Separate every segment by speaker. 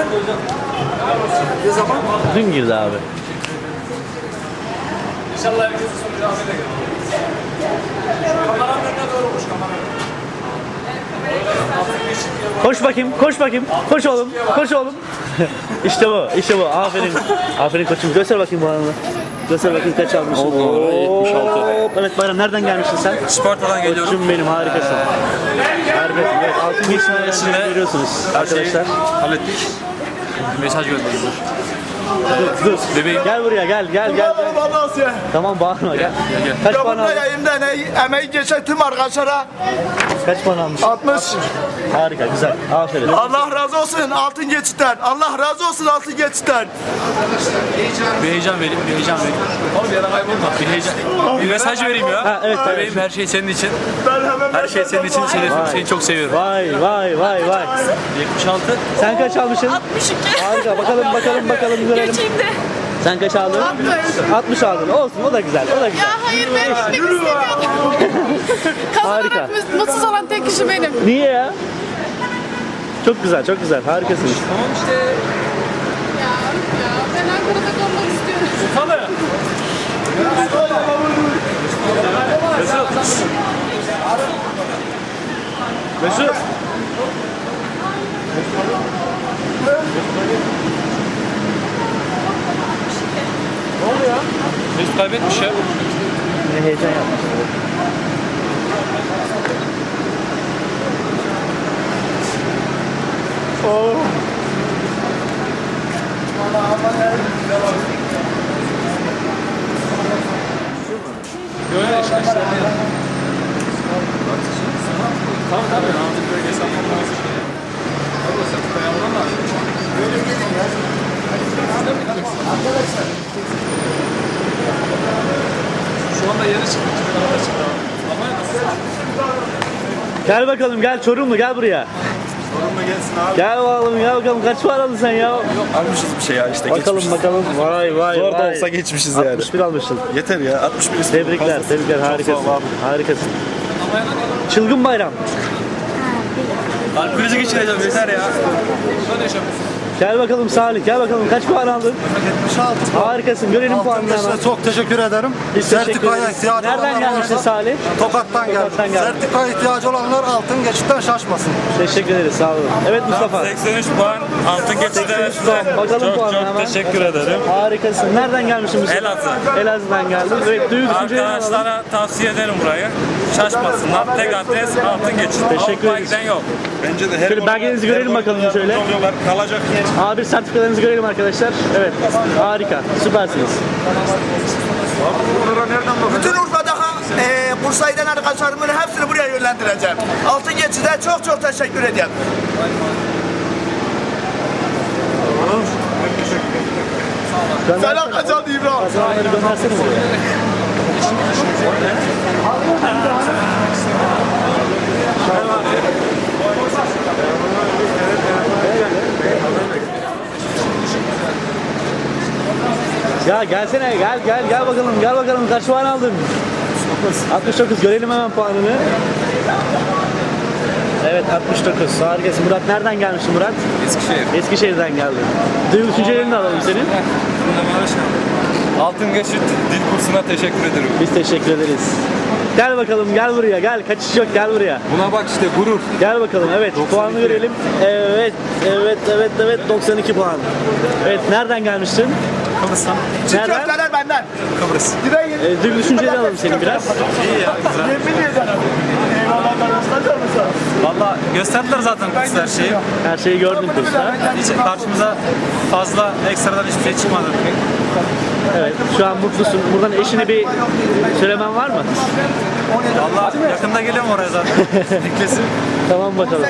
Speaker 1: Ne zaman?
Speaker 2: Dün girdi abi.
Speaker 3: İnşallah herkesin sonucu Ahmet'e gelir. Kameranın önüne doğrumuş kameranın.
Speaker 2: Koş bakayım, koş bakayım. Koş oğlum, koş oğlum. İşte bu, işte bu. Aferin. Aferin koçum. Göster bakayım bu anını. Göster bakayım kaç almışsın.
Speaker 4: 76.
Speaker 2: Evet Bayram, nereden gelmişsin sen?
Speaker 4: Sparta'dan geliyorum.
Speaker 2: Koçum benim, harikasın. Harikasın. Evet, altın geçmeyi görüyorsunuz arkadaşlar.
Speaker 4: Hallettik. Mesaj gönderdim.
Speaker 2: Dur.
Speaker 4: Bebeğim.
Speaker 2: Gel buraya, gel, gel, gel. gel. Tamam bağırma, gel. Kaç puan aldın?
Speaker 1: Yayında emeği geçen tüm arkadaşlara
Speaker 2: Kaç puan almışsın?
Speaker 1: 60.
Speaker 2: Harika, güzel. Aferin.
Speaker 1: Allah razı olsun altın geçitten. Allah razı olsun altın geçitten.
Speaker 4: Bir heyecan vereyim, bir heyecan vereyim.
Speaker 3: Oğlum bir yere kaybolma.
Speaker 4: Bir heyecan. Bir mesaj vereyim ya.
Speaker 2: Ha, evet, tabii.
Speaker 4: Bebeğim, her şey senin için. Her şey senin için. Seni çok seviyorum.
Speaker 2: Vay, vay, vay, vay.
Speaker 4: 76.
Speaker 2: Sen kaç almışsın?
Speaker 5: 62.
Speaker 2: Harika, bakalım, bakalım, bakalım, görelim.
Speaker 5: Geçeyim de.
Speaker 2: Sen kaç aldın? 60 aldın. Olsun, o da güzel, o da güzel.
Speaker 5: Ya hayır ben gitmek istemiyordum.
Speaker 2: Harika.
Speaker 5: Kazanarak mutsuz olan tek kişi benim.
Speaker 2: Niye ya? Çok güzel, çok güzel. Harikasınız.
Speaker 3: Tamam işte.
Speaker 5: Ya ben Ankara'da kalmak istiyorum.
Speaker 3: Sana.
Speaker 2: Mesut.
Speaker 4: Mesut kaybetmiş ya.
Speaker 2: Ne heyecan yapmış.
Speaker 3: Böyle işte. Tamam tabii. Ahmet bölgesi almam lazım. Orada sen koyalım lazım. Böyle gelin ya. Arkadaşlar. Şu anda yeni çıktı. Arada çıktı. Ama
Speaker 2: Gel bakalım, gel Çorumlu, gel buraya.
Speaker 1: Sorunla gelsin abi.
Speaker 2: Gel bakalım, gel bakalım. Kaç para aldın sen ya?
Speaker 1: Almışız bir şey ya işte
Speaker 2: Bakalım,
Speaker 1: geçmişiz.
Speaker 2: bakalım. Vay, vay,
Speaker 1: Zor da
Speaker 2: vay.
Speaker 1: olsa geçmişiz yani.
Speaker 2: 61 almışsın.
Speaker 1: Yeter ya 61 istedim.
Speaker 2: Tebrikler,
Speaker 1: Fazlası.
Speaker 2: tebrikler.
Speaker 1: Çok
Speaker 2: Harikasın.
Speaker 1: sağ ol abi.
Speaker 2: Harikasın. Çılgın bayram.
Speaker 4: Kalp krizi geçireceğim yeter ya.
Speaker 3: burada ne yaşamıyorsun?
Speaker 2: Gel bakalım Salih, gel bakalım. Kaç puan aldın?
Speaker 6: 76.
Speaker 2: Harikasın. Görelim puanını hemen.
Speaker 6: Çok teşekkür ederim.
Speaker 2: Biz teşekkür
Speaker 6: Sertifikaya
Speaker 2: ederiz.
Speaker 6: ihtiyacı
Speaker 2: Nereden
Speaker 6: olanlar
Speaker 2: gelmişsin
Speaker 6: varsa
Speaker 2: Salih?
Speaker 6: Tokat'tan geldim.
Speaker 2: Tokat'tan geldim.
Speaker 6: Sertifikaya ihtiyacı olanlar altın geçitten şaşmasın.
Speaker 2: Teşekkür ederiz. Sağ olun. Evet Mustafa.
Speaker 4: 83 puan altın geçide.
Speaker 2: Puan. Bakalım
Speaker 4: Çok
Speaker 2: puanına
Speaker 4: çok
Speaker 2: hemen.
Speaker 4: teşekkür ederim.
Speaker 2: Harikasın. Nereden gelmişsin Mustafa?
Speaker 4: Elazığ.
Speaker 2: Elazığ'dan geldin. Evet, duygu düşüncelerini alalım.
Speaker 4: Arkadaşlara tavsiye ederim burayı. Şaşmasınlar. Tek adres altın geçit.
Speaker 2: Teşekkür
Speaker 4: Avrupa
Speaker 2: ederiz.
Speaker 4: giden yok.
Speaker 1: Bence de her
Speaker 2: Şöyle belgelerinizi görelim bakalım şöyle.
Speaker 1: Oluyorlar, kalacak yer.
Speaker 2: A1 sertifikalarınızı görelim arkadaşlar. Evet. Harika. Süpersiniz.
Speaker 1: Bütün Urfa'da Bursa'ya giden arkadaşlarımın hepsini buraya yönlendireceğim. Altın geçide çok çok teşekkür ederim. Selam Kaçan İbrahim.
Speaker 2: Kazananları göndersene buraya. Ya gelsene, gel bakalım kaç puan aldın? 69 görelim hemen puanını. Evet 69 harikasın. Murat nereden gelmişsin Murat?
Speaker 4: Eskişehir.
Speaker 2: Eskişehir'den geldin. Duygu düşüncelerini de alalım senin.
Speaker 4: Altın geçit dil kursuna teşekkür ederim.
Speaker 2: Biz teşekkür ederiz. Gel bakalım, gel buraya, gel. Kaçış yok, gel buraya.
Speaker 4: Buna bak işte gurur.
Speaker 2: Gel bakalım, evet. Puanını görelim. Evet. 92 puan. Evet, nereden gelmiştin?
Speaker 4: Kıbrıs'tan.
Speaker 2: Nereden?
Speaker 1: Köfteler benden.
Speaker 4: Kıbrıs.
Speaker 2: Duygu düşüncelerini alalım senin biraz.
Speaker 4: İyi ya güzel.
Speaker 1: Yemin ederim. Eyvallah tanıştıracak mısın?
Speaker 4: Valla gösterdiler zaten kursta her şeyi.
Speaker 2: Her şeyi gördün kursta.
Speaker 4: Hiç karşımıza fazla ekstradan hiçbir şey çıkmadı.
Speaker 2: Evet, şu an mutlusun. Buradan eşine bir söylemen var mı?
Speaker 4: Valla yakında geliyorum oraya zaten. Beklesin.
Speaker 2: Tamam bakalım.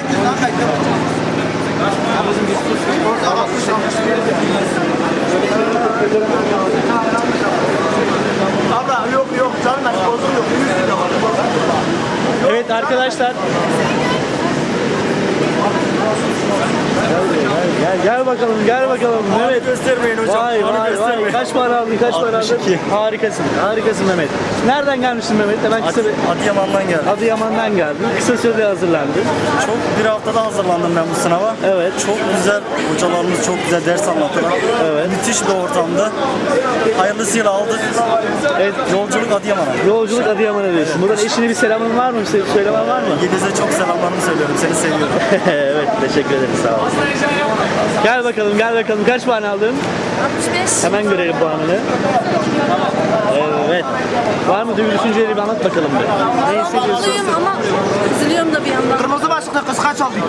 Speaker 1: Allah yok canım bozum yok.
Speaker 2: Evet arkadaşlar. Gel bakalım, gel bakalım. Mehmet.
Speaker 1: Göstermeyin hocam.
Speaker 2: Vay vay vay. Kaç para aldın, kaç para aldın?
Speaker 1: 62.
Speaker 2: Harikasın, harikasın Mehmet. Nereden gelmişsin Mehmet? Hemen kısa bir...
Speaker 7: Adıyaman'dan geldim.
Speaker 2: Adıyaman'dan geldin. Kısa sürede hazırlandın.
Speaker 7: Çok bir haftada hazırlandım ben bu sınava.
Speaker 2: Evet.
Speaker 7: Çok güzel hocalarımız çok güzel ders anlattılar.
Speaker 2: Evet.
Speaker 7: Müthiş bir ortamdı. Hayırlısıyla aldık.
Speaker 2: Evet.
Speaker 7: Yolculuk Adıyaman'a.
Speaker 2: Yolculuk Adıyaman'a diyorsun. Buradan eşine bir selamın var mı? Bir söylemen var mı?
Speaker 7: Yeliz'e çok selamlarımı söylüyorum. Seni seviyorum.
Speaker 2: Evet, teşekkür ederim. Sağ ol. Gel bakalım, gel bakalım. Kaç puan aldın?
Speaker 5: 65.
Speaker 2: Hemen görelim puanını. Evet. Var mı duygu düşünceleri bir anlat bakalım bir. Ne hissediyorsun?
Speaker 5: Mutluyum ama üzülüyorum da bir yandan.
Speaker 1: Kırmızı başlıklı kız kaç aldın?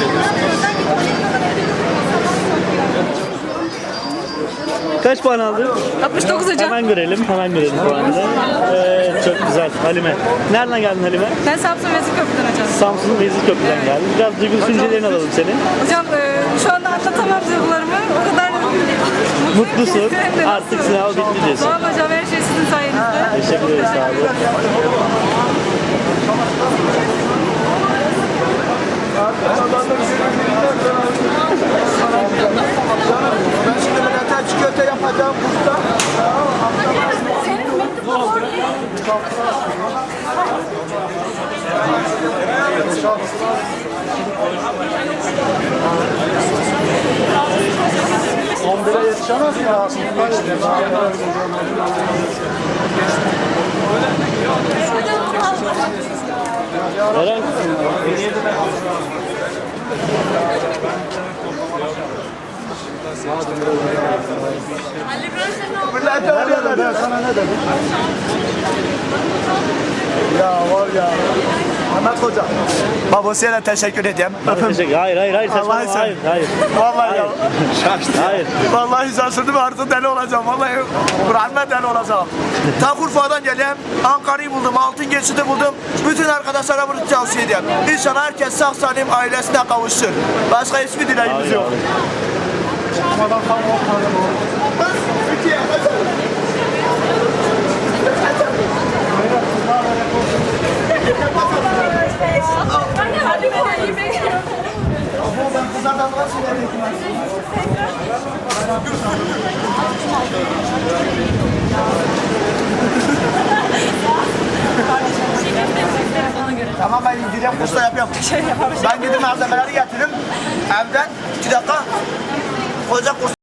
Speaker 2: Kaç puan aldın?
Speaker 5: 69 hocam.
Speaker 2: Hemen görelim puanını. Çok güzel. Halime. Nereden geldin Halime?
Speaker 5: Ben Samsun Vezirköprü'den hocam.
Speaker 2: Samsun'un Vezirköprü'den geldin. Biraz duygu düşüncelerini alalım senin.
Speaker 5: Hocam şu anda anlatamam duygularımı. O kadar
Speaker 2: Mutlusun.
Speaker 5: mutluyum ki. Hem de
Speaker 2: Artık sınav bitti diyorsun.
Speaker 5: Sağ olun hocam, her şey sizin sayenizde.
Speaker 2: Teşekkür ederiz. Sağ olun.
Speaker 1: Ben şimdi millete çikolata yapacağım kursta.
Speaker 6: Yetişemez mi ya?
Speaker 2: Eren.
Speaker 1: Millete öyle
Speaker 6: Ben sana ne dedim?
Speaker 1: Ya var ya. Ahmet Hoca. Babasıyla teşekkür edeyim.
Speaker 2: Hayır. Saçmalama.
Speaker 1: Vallahi sen-
Speaker 2: Hayır.
Speaker 1: Vallahi ya.
Speaker 2: Hayır.
Speaker 1: Vallahi şaşırdım artık deli olacağım. Vallahi Kur'an'la deli olacağım. Ta Urfa'dan geleyim. Ankara'yı buldum. Altın geçidi buldum. Bütün arkadaşlara bunu tavsiye edeyim. İnşallah herkes sağ salim ailesine kavuşsun. Başka hiçbir dileğimiz yok. Tamam ben gideceğim kursta yapıyorum. Ben gidip malzemeleri getiririm. Evden 2 dakika koca kurs